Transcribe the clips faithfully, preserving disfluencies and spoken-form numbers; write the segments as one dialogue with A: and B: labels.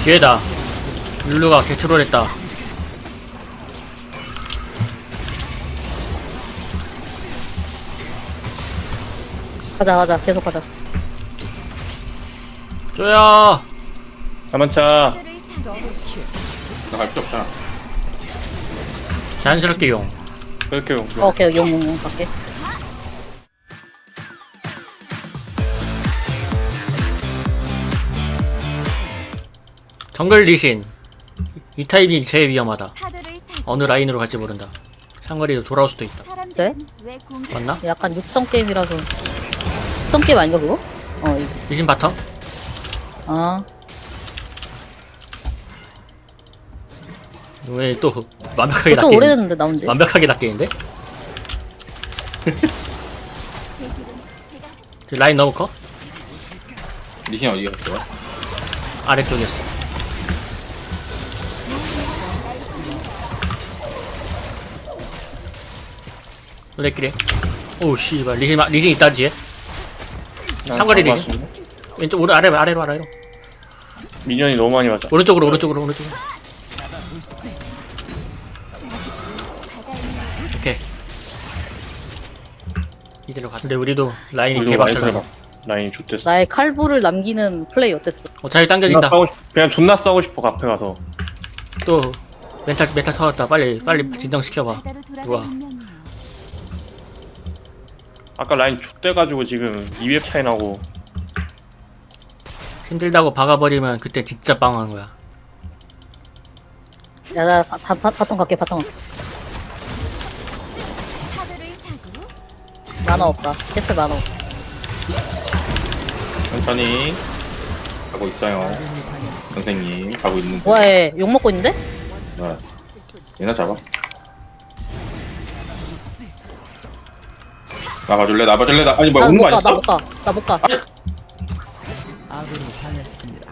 A: 뒤에다. 룰루가 개트롤했다.
B: 가자 가자 계속 가자.
A: 쪼야.
C: 가만차.
D: 나갈 필요 없잖아.
A: 자연스럽게 용.
C: 그렇게 용.
B: 어, 오케이 용용용 갈게.
A: 정글 리신. 이 타입이 제일 위험하다. 어느 라인으로 갈지 모른다. 상거리로 돌아올 수도 있다.
B: 네?
A: 맞나?
B: 약간 육성 게임이라서. 육성 게임 아닌가 그거? 어 이거.
A: 리신 바텀?
B: 아
A: 왜 또 완벽하게
B: 또
A: 낚이는
B: 오래됐는데 나온지.
A: 완벽하게 낚이는데? 저 라인 너무 커?
D: 리신 어디 갔어요?
A: 아래쪽이었어. 레끼리. 오우 씨발 리신 마- 리신 있다 뒤에. 상거리 리신. 왼쪽 오른 아래로 아래로 아래로.
C: 미니언이 너무 많이 맞아.
A: 오른쪽으로 오른쪽으로 오른쪽으로. 오케이. 이대로 가. 근데 우리도 라인이
C: 우리도 라인
A: 개박살나.
C: 들어가. 라인이 좋댔어.
B: 나의 칼부를 남기는 플레이 어땠어?
A: 어, 잘
C: 존나
A: 당겨진다.
C: 싸우고 싶, 그냥 존나 싸우고 싶어 앞에 가서.
A: 또 멘탈 멘탈 터졌다. 빨리 빨리 진정시켜봐. 누가?
C: 아까 라인 족대가지고 지금 이 웹 차이 나고.
A: 힘들다고 박아버리면 그때 진짜 빵한 거야.
B: 야나 바텀 갈게 바텀 갈게. 만화 없다. 캐슬 만화 없다.
D: 천천히 가고 있어요. 선생님 가고 있는데.
B: 뭐해 욕 먹고 있는데?
D: 네. 얘나 잡아. 나봐줄래? 나봐줄래? 나 아니 뭐야 오는 거
B: 나못 가, 나
D: 아니었어?
B: 못 가, 나 못 가.
E: 아군이 당했습니다.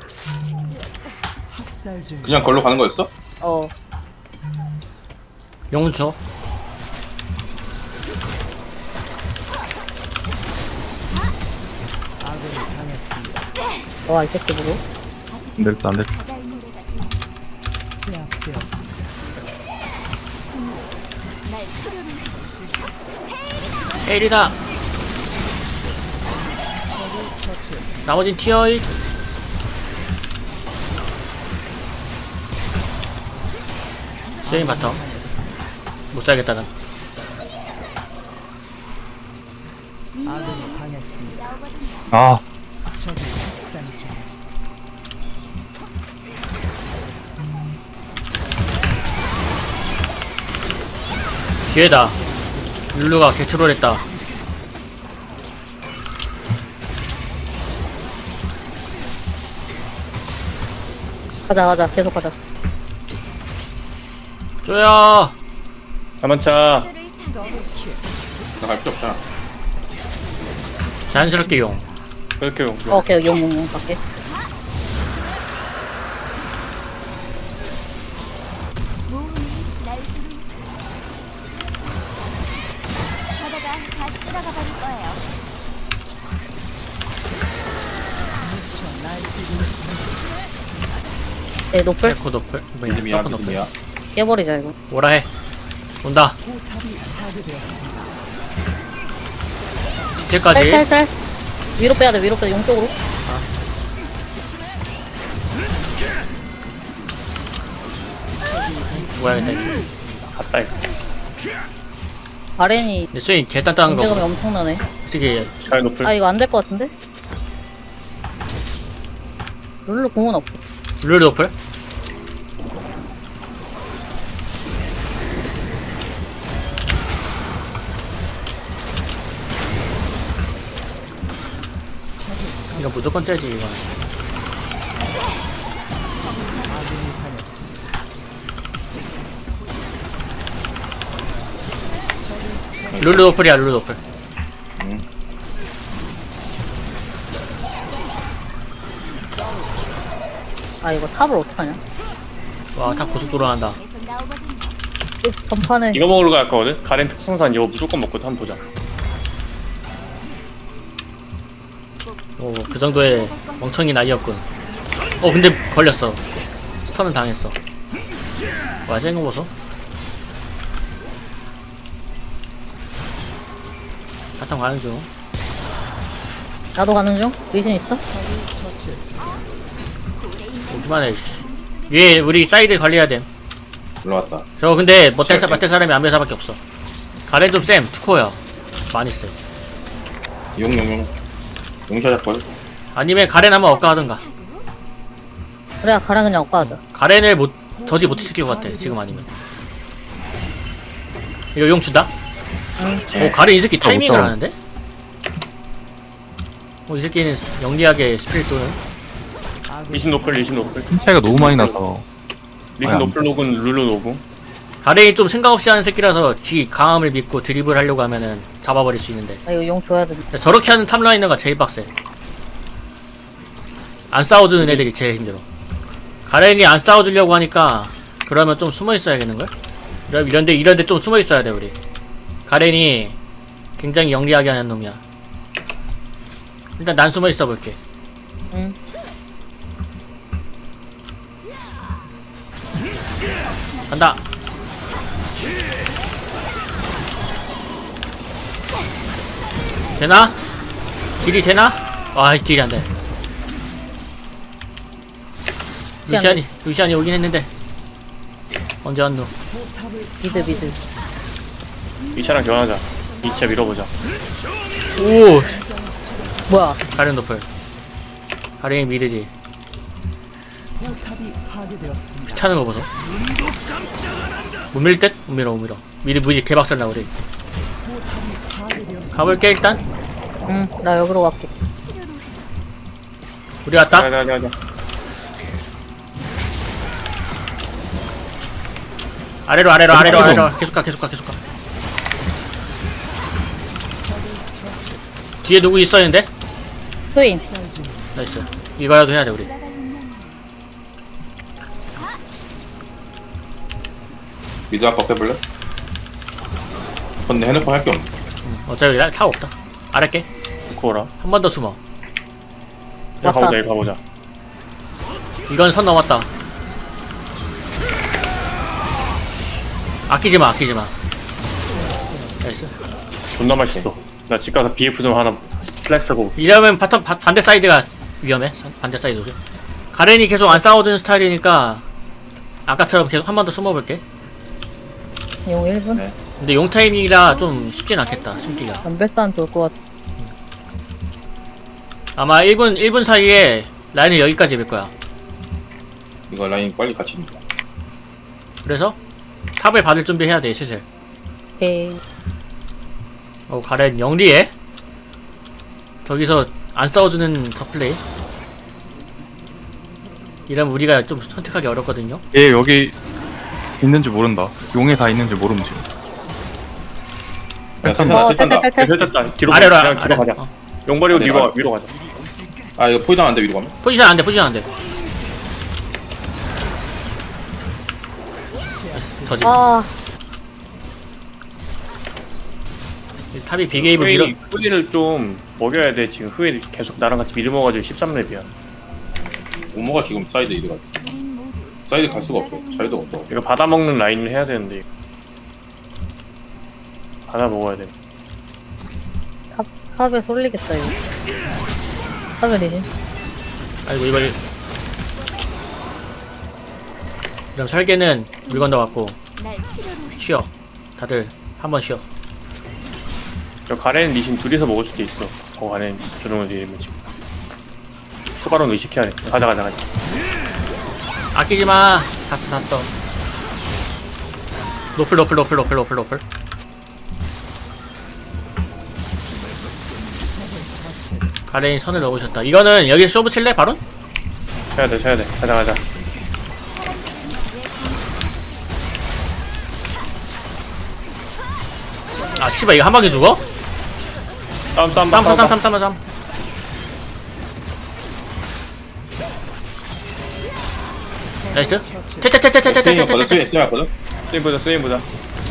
E: 학살 중.
D: 그냥 걸로 가는 거였어?
B: 어,
A: 용은 줘.
E: 아군이 당했습니다.
B: 와 이 새끼 누구?
C: 안 됐다 안 됐다.
E: 제압되었습니다.
A: 에이리다. 나머진 티어잇. 스웨인 바텀. 못 살겠다 난.
E: 아군이 당했습니다.
C: 아
E: 적이 학살 중.
A: 뒤에다. 룰루가 개트롤했다.
B: 가자 가자 계속 가자.
A: 쪼야.
C: 가만차.
D: 나갈 필요 없잖아.
A: 자연스럽게 용.
C: 그렇게 용.
B: 어, 오케이 용용용 갈게. 네 노플
A: 에코 노플. 뭐냐?
D: 믿음이야
A: 서프 노플.
D: 믿음이야.
B: 깨버리자 이거.
A: 오라 해. 온다.
E: 포탑이 파괴되었습니다.
A: 디테까지.
B: 살살살 위로 빼야 돼 위로 빼야 돼 용 쪽으로.
A: 뭐야 근데.
C: 갔다 이거.
B: 아렌이
A: 근데 스웨인 개 단단한
B: 존재감이
A: 거.
B: 엄청나네.
A: 솔직히
C: 잘 높을.
B: 아 이거 안 될 것 같은데? 룰루 공은 없.
A: 룰루 노플. 이거 무조건 째지 이거.
E: 아군이 당했습니다.
A: 룰루 노플이야 룰루 노플.
B: 아 이거 탑을 어떡하냐?
A: 와 다 고속도로 한다.
B: 이 전판에
C: 이거 먹으러 갈 거거든. 가렌 특성산 이거 무조건 먹고 한번 보자.
A: 오 그 정도의 멍청이 나이였군. 어 근데 걸렸어. 스턴은 당했어. 와, 센거 보소. 바탕 가는 중.
B: 나도 가는 중. 리신 있어?
A: 그만해. 위에 우리 사이드 관리해야 됨.
D: 올라왔다.
A: 저 근데 못할 사,
D: 시작해.
A: 맡을 사람이 안배사밖에 없어. 가렌 좀 쌤, 투코야. 많이 쎄.
D: 용용용. 용샷 할걸?
A: 아니면 가렌 한번 엇가 하든가.
B: 그래, 가라 그냥 엇가하자.
A: 가렌을 못 저지 못 시킬 것 같아. 지금 아니면. 이거 용 준다?
B: 응.
A: 오, 가렌 이 새끼 타이밍을
F: 못
A: 하는데? 오, 이 새끼는 영리하게 스피릿 도는.
C: 리신 노플 리신 노플
F: 힘 차이가 너무 많이 나서
C: 리신
F: 아니,
C: 노플 녹은 룰루 노브.
A: 가렌이 좀 생각 없이 하는 새끼라서 지 강함을 믿고 드리블 하려고 하면은 잡아버릴 수 있는데.
B: 나 이거 용 줘야 돼.
A: 저렇게 하는 탑라이너가 제일 빡세. 안 싸워주는 애들이 제일 힘들어. 가렌이 안 싸워주려고 하니까 그러면 좀 숨어 있어야겠는걸? 이런- 이런데 이런데 좀 숨어 있어야 돼 우리. 가렌이 굉장히 영리하게 하는 놈이야. 일단 난 숨어 있어 볼게.
B: 응.
A: 간다. 되나? 딜이 되나? 아, 딜이 안 돼. 루시안이, 루시안이 오긴 했는데. 언제 왔노?
B: 미드, 미드.
C: 이 차랑 교환하자. 이 차 밀어보자.
A: 오!
B: 뭐야?
A: 가렌 도플. 가렌이 미드지.
E: 포탑이 파괴되었습니다.
A: 차는 거 보소. 못 밀 듯? 못 밀어, 못 밀어. 미드 무지 개박살 나, 우리.
E: 파괴되었습니다.
A: 가볼게, 일단.
B: 응, 나 여기로 갈게.
A: 우리 왔다.
C: 가자 가자 가자.
A: 아래로, 아래로, 아래로, 아래로. 계속 가, 계속 가, 계속 가. 뒤에 누구 있었는데?
B: 스윈.
A: 나이스. 이거라도 해야 돼, 우리.
D: 미드 압박 해볼래? 근데 해놓고 할 게 없네.
A: 어차피 우리 타워 없다. 아래게.
C: 코어라.
A: 한 번 더 숨어.
C: 여기
B: 왔다.
C: 가보자 여기 가보자.
A: 이건 선 넘었다. 아끼지 마, 아끼지 마. 나이스.
C: 존나 맛있어. 나 집 가서 비에프 좀 하나 플렉스하고.
A: 이러면 바텀 바, 반대 사이드가 위험해. 반대 사이드. 가렌이 계속 안 싸워주는 스타일이니까 아까처럼 계속 한 번 더 숨어볼게.
B: 용 일 분?
D: 네.
A: 근데 용 타이밍이라 좀 쉽진 않겠다. 숨기가.
B: 연별산 좋을 것 같아.
A: 아마 일 분 일 분 사이에 라인을 여기까지 밀 거야.
D: 이거 라인 빨리 같이 입니다.
A: 그래서 탑을 받을 준비해야 돼, 슬슬.
B: 오케이.
A: 어, 가렌 영리해. 저기서 안 싸워주는 더 플레이. 이러면 우리가 좀 선택하기 어렵거든요.
F: 얘 여기 있는지 모른다. 용에 다 있는지 모름 지금.
D: 야,
B: 어,
D: 센터 센터.
B: 탈탈탈탈.
C: 됐다. 뒤로
A: 아래로,
C: 그냥 뒤로
A: 아래.
C: 가자.
A: 어.
C: 용버리고
D: 아래,
C: 위로
D: 아래.
C: 위로 가자.
D: 아 이거 포이드 안돼 위로 가면?
A: 포지션 안 돼, 포지션 안 돼. 저지.
B: 아,
A: 탑이 비게이브 밀어.
C: 후웨이 후웨이를 좀 먹여야 돼. 지금 후웨이 계속 나랑 같이 미드 먹어가지고 십삼 렙이야.
D: 우모가 지금 사이드 이리 가. 사이드 갈 수가 없어. 사이드 없어.
C: 이거 받아 먹는 라인을 해야 되는데. 받아 먹어야 돼.
B: 탑, 탑에 쏠리겠다, 이거. 탑에 리신.
A: 아이고 이거 이- 그럼 설계는 물건 넣어갖고 쉬어. 다들 한 번 쉬어.
C: 저 가렌 리신 둘이서 먹을 수도 있어. 저 가렌 조정을 드리면 지금. 소바론 의식해야 돼. 가자 가자 가자.
A: 아끼지 마. 샀어 샀어. 노플 노플 노플 노플 노플 노플. 가렌이 선을 넣으셨다. 이거는 여기 쇼부 칠래 바로?
C: 쳐야 돼 쳐야 돼. 가자 가자.
A: 아 씨발 이거 한 방에 죽어?
C: 싸움 싸움
A: 쌈
C: 싸움
A: 쌈
C: 싸움.
A: 쌈 쌈 쌈. 나이스.
D: 스윙 왔거든.
A: 테테테테테테테테.
D: 스윙 스윙 왔거든.
C: 스윙 보자 스윙 보자.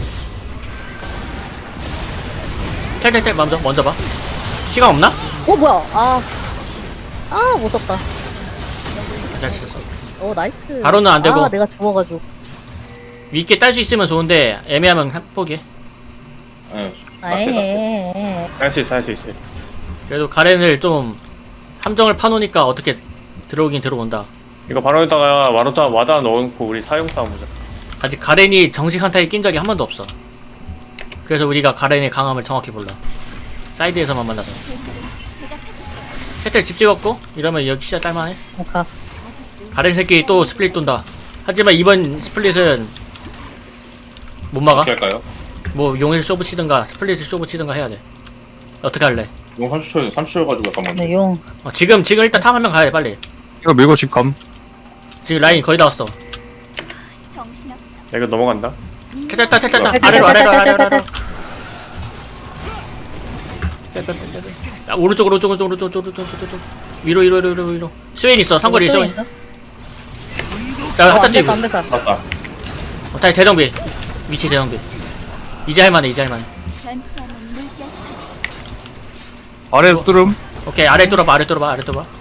A: 테테테 먼저 먼저 봐. 시간 없나?
B: 어, 뭐야? 아. 아, 무섭다.
A: 잘 쳤어.
B: 어 나이스.
A: 바로는 안 되고.
B: 아 내가 죽어가지고.
A: 위께 딸 수 있으면 좋은데 애매하면 한- 포기해.
D: 예.
B: 아예.
C: 할 수 있어 할 수 있어.
A: 그래도 가렌을 좀 함정을 파놓으니까 어떻게 들어오긴 들어온다.
C: 이거 바로에다가 와로다 와다 넣어놓고 우리 사용 싸움 보자.
A: 아직 가렌이 정식 한타에 낀 적이 한 번도 없어. 그래서 우리가 가렌의 강함을 정확히 몰라. 사이드에서만 만나서. 혜텔 집 찍었고 이러면 여기 시야 딸만해.
B: 뭔가
A: 가렌 새끼 또 스플릿 돈다. 하지만 이번 스플릿은 못 막아.
D: 어떻게 할까요?
A: 뭐 용일 쇼부 치든가 스플릿을 쇼부 치든가 해야 돼. 어떻게 할래?
D: 용 삼십 초 삼십 초 가지고 약간 먼저.
B: 네, 용.
A: 어, 지금 지금 일단 탐 한 명 가야 돼 빨리.
F: 이거 밀고 집 감.
A: 지금 라인 거의 다 왔어.
C: 야, 이거 넘어간다.
A: 탈탈 탈탈 탈
B: 탈,
A: 아래로
B: 탈,
A: 아래로
B: 탈,
A: 아래로
B: 탈,
A: 아래로. 야, 오른쪽으로 오른쪽 오른쪽 오른쪽 오른쪽 오른쪽 오른쪽 위로 위로 위로 위로 위로. 스웨인 있어 상거리
B: 또
A: 스웨인.
B: 있어?
A: 야
B: 어,
A: 갖다
B: 안
A: 뛰고.
B: 됐다 안 됐다.
D: 맞다.
A: 어, 다시 대정비. 위치 대정비. 이제 할만해 이제 할만해.
F: 아래 뚫음.
A: 오케이 아래 뚫어봐 아래 뚫어봐 아래 뚫어봐.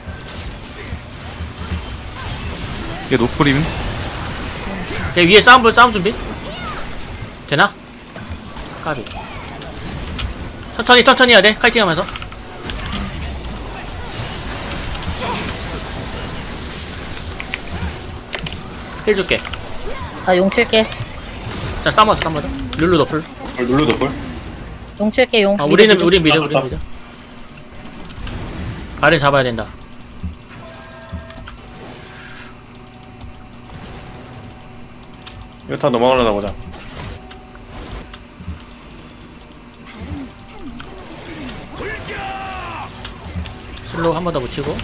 F: 얘 노프림.
A: 오케이 위에 싸움 볼 싸움 준비. 되나? 까비. 천천히 천천히 해야 돼 카이팅하면서. 힐 줄게.
B: 나용 칠게.
A: 자 싸워서 싸워서. 룰루 너플.
D: 걸 눌러도 볼.
B: 용 칠게 용.
A: 아
B: 미드,
A: 우리는
B: 미드.
A: 우린 미드
D: 아,
A: 우린
D: 아.
A: 미드. 가렌 잡아야 된다.
C: 이거 다 넘어가려나 보자.
A: 슬로우 한 번 더 붙이고.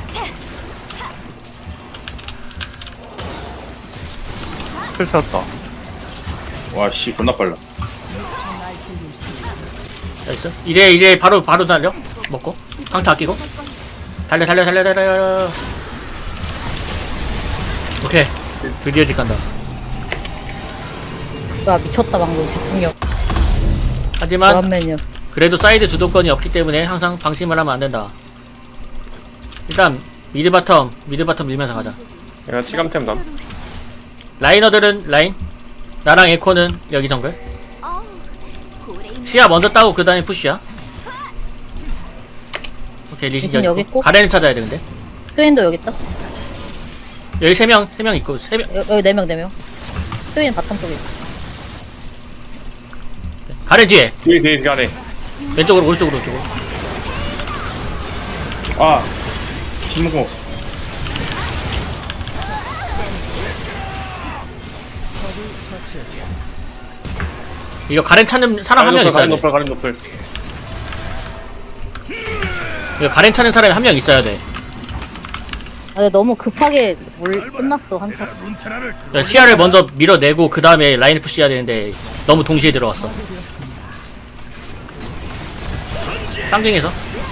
F: 틀 찾았다.
D: 와 씨 겁나 빨라.
A: 나이스. 이래 이래 바로 바로 달려. 먹고 강타 아끼고. 달려 달려 달려 달려. 오케이 드디어 집 간다.
B: 와 미쳤다 방금 집중력.
A: 하지만
B: 원맨이야.
A: 그래도 사이드 주도권이 없기 때문에 항상 방심을 하면 안 된다. 일단 미드 바텀 미드 바텀 밀면서 가자.
C: 내가 치감템 남.
A: 라이너들은 라인. 나랑 에코는 여기 정글. 시야 먼저 따고 그 다음에 푸시야. 오케이 리신
B: 리신 여기 있고.
A: 가렌을 찾아야 돼 근데.
B: 스웨인도 여기 있다.
A: 여기 세 명 세 명 있고 세 명.
B: 여, 여기 네 명 네 명. 스웨인 바텀 쪽에. 있어.
A: 가렌 뒤에
C: 뒤에 뒤에 가네.
A: 왼쪽으로 오른쪽으로 오른쪽으로.
D: 아. 신문공.
A: 이거 가렌 찾는 사람 한 명 있어야
C: 가렌
A: 돼.
C: 노플 가렌 노플.
A: 이거 가렌 찾는 사람이 한 명 있어야 돼.
B: 아 근데 너무 급하게 물 끝났어 한타.
A: 그러니까 시야를 먼저 밀어내고 그 다음에 라인 푸시 해야 되는데 너무 동시에 들어왔어. 쌍둥이에서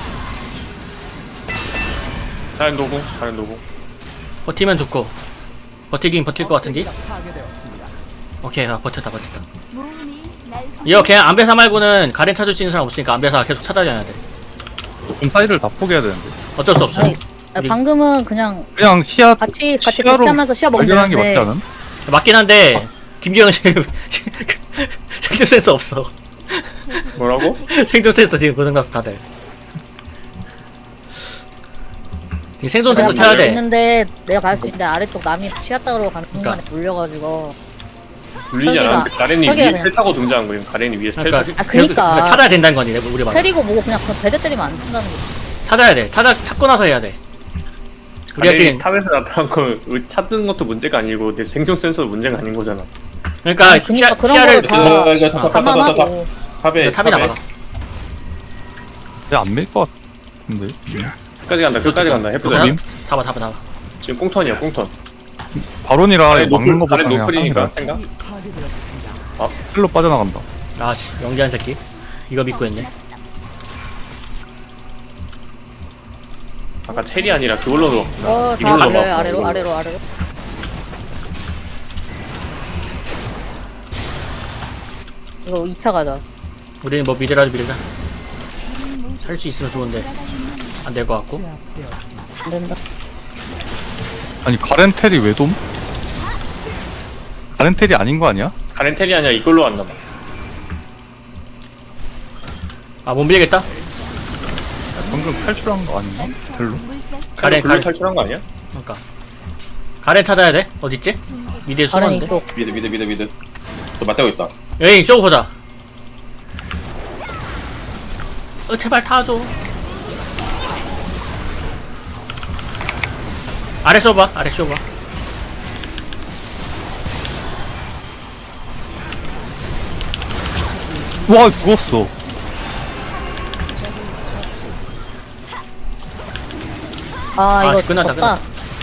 C: 가렌 노공 가렌 노공.
A: 버티면 좋고 버티긴 버틸 것 같은데.
E: 파괴되었습니다.
A: 오케이 아, 버텼다 버텼다. 이거 그냥 안배사 말고는 가렌 찾을 수 있는 사람 없으니까 안배사 계속 찾아다녀야 돼.
F: 좀 사이드를 다 포기해야 되는데.
A: 어쩔 수 없어.
B: 아니 아,
A: 우리-
B: 방금은 그냥
F: 그냥 시야
B: 같이 같이
F: 시야로
B: 대치하면서 시야 먹으면
F: 발견하는 게 맞지
B: 되는데
F: 않음?
A: 맞긴 한데 김기영은 지금 생존 센스 없어.
C: 뭐라고?
A: 생존 센서 지금 고장났어 다들. 지금 생존 센서
B: 내가
A: 켜야
B: 갈수
A: 돼.
B: 있는데 내가 갈 수 있는데 아래쪽 남이 시야 따로 가는 순간에
A: 그러니까.
B: 물려가지고
C: 눌리지
B: 설계가-
C: 않았는데 가렌이
B: 설계가
C: 위에
B: 그냥-
C: 텔 타고 등장한 거예요. 가렌이 위에 텔
A: 그러니까,
C: 타고.
B: 아, 그니까.
A: 찾아야 된다는 거니 우리 말.
B: 때리고 뭐고 그냥 그 배대 때리면 안 된다는 거지.
A: 찾아야 돼. 찾아 찾고 나서 해야 돼. 우리가
C: 가렌이
A: 지금
C: 탑에서 나타난 거 찾는 것도 문제가 아니고 내 생존 센서도 문제가 아닌 거잖아.
A: 그러니까
B: 아니,
A: 시야,
B: 그러니까 그런
A: 시야를
B: 거를 다-
D: 그 이거 탑, 탑, 탑, 탑, 탑, 탑.
B: 감안하고
D: 탑에
A: 탑이
D: 탑에.
A: 나가.
F: 얘안밀 것 같은데.
C: 끝까지 간다. 끝까지 간다. 해프자.
F: 님?
A: 잡아 잡아 잡아.
C: 지금 꽁턴이야 꽁턴.
F: 바론이라
C: 가렌
F: 막는
C: 노플
F: 거보다
C: 가렌
F: 그냥
C: 노플이니까
F: 하는
C: 생각.
E: 파괴되었습니다.
F: 힐로 빠져나간다.
A: 아씨 연기한 새끼. 이거 믿고 했네.
C: 아까 텔이 아니라 그걸로 넣었구나.
B: 어다
C: 이걸로
B: 아래로
C: 넣었구나,
B: 아래로
C: 이걸로.
B: 아래로 아래로. 이거 이 차 가자.
A: 우리는 뭐 미드라도 밀자. 살 수 있으면 좋은데 안 될 것 같고.
E: 제압되었습니다.
B: 안 된다.
F: 아니 가렌텔이 왜 돔? 가렌텔이 아닌 거 아니야?
C: 가렌 텔이 아니라 이걸로 왔나 봐.
A: 아 못 밀겠다.
F: 방금 탈출한 거 아닌가? 텔로?
A: 가렌
C: 글로
A: 가렌
C: 탈출한 거 아니야?
A: 그러니까 가렌 찾아야 돼. 어딨지? 미드에
B: 가렌
A: 숨었는데.
B: 이쪽.
D: 미드 미드 미드 미드. 저 맞대고 있다.
A: 여기 쇼 보자. 어 제발 타줘. 아래 쇼봐. 아래 쇼봐.
F: 와 죽었어.
B: 아,
A: 아,
B: 이거
A: 끝났다,
B: 졌다.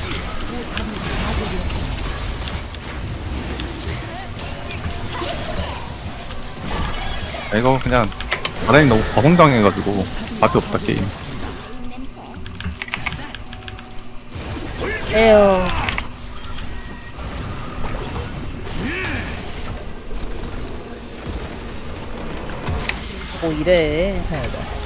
F: 아, 이거 그냥 가렌이 너무 과성당해가지고 답이 없다 게임.
B: 에요. 뭐 이래.
E: 패배.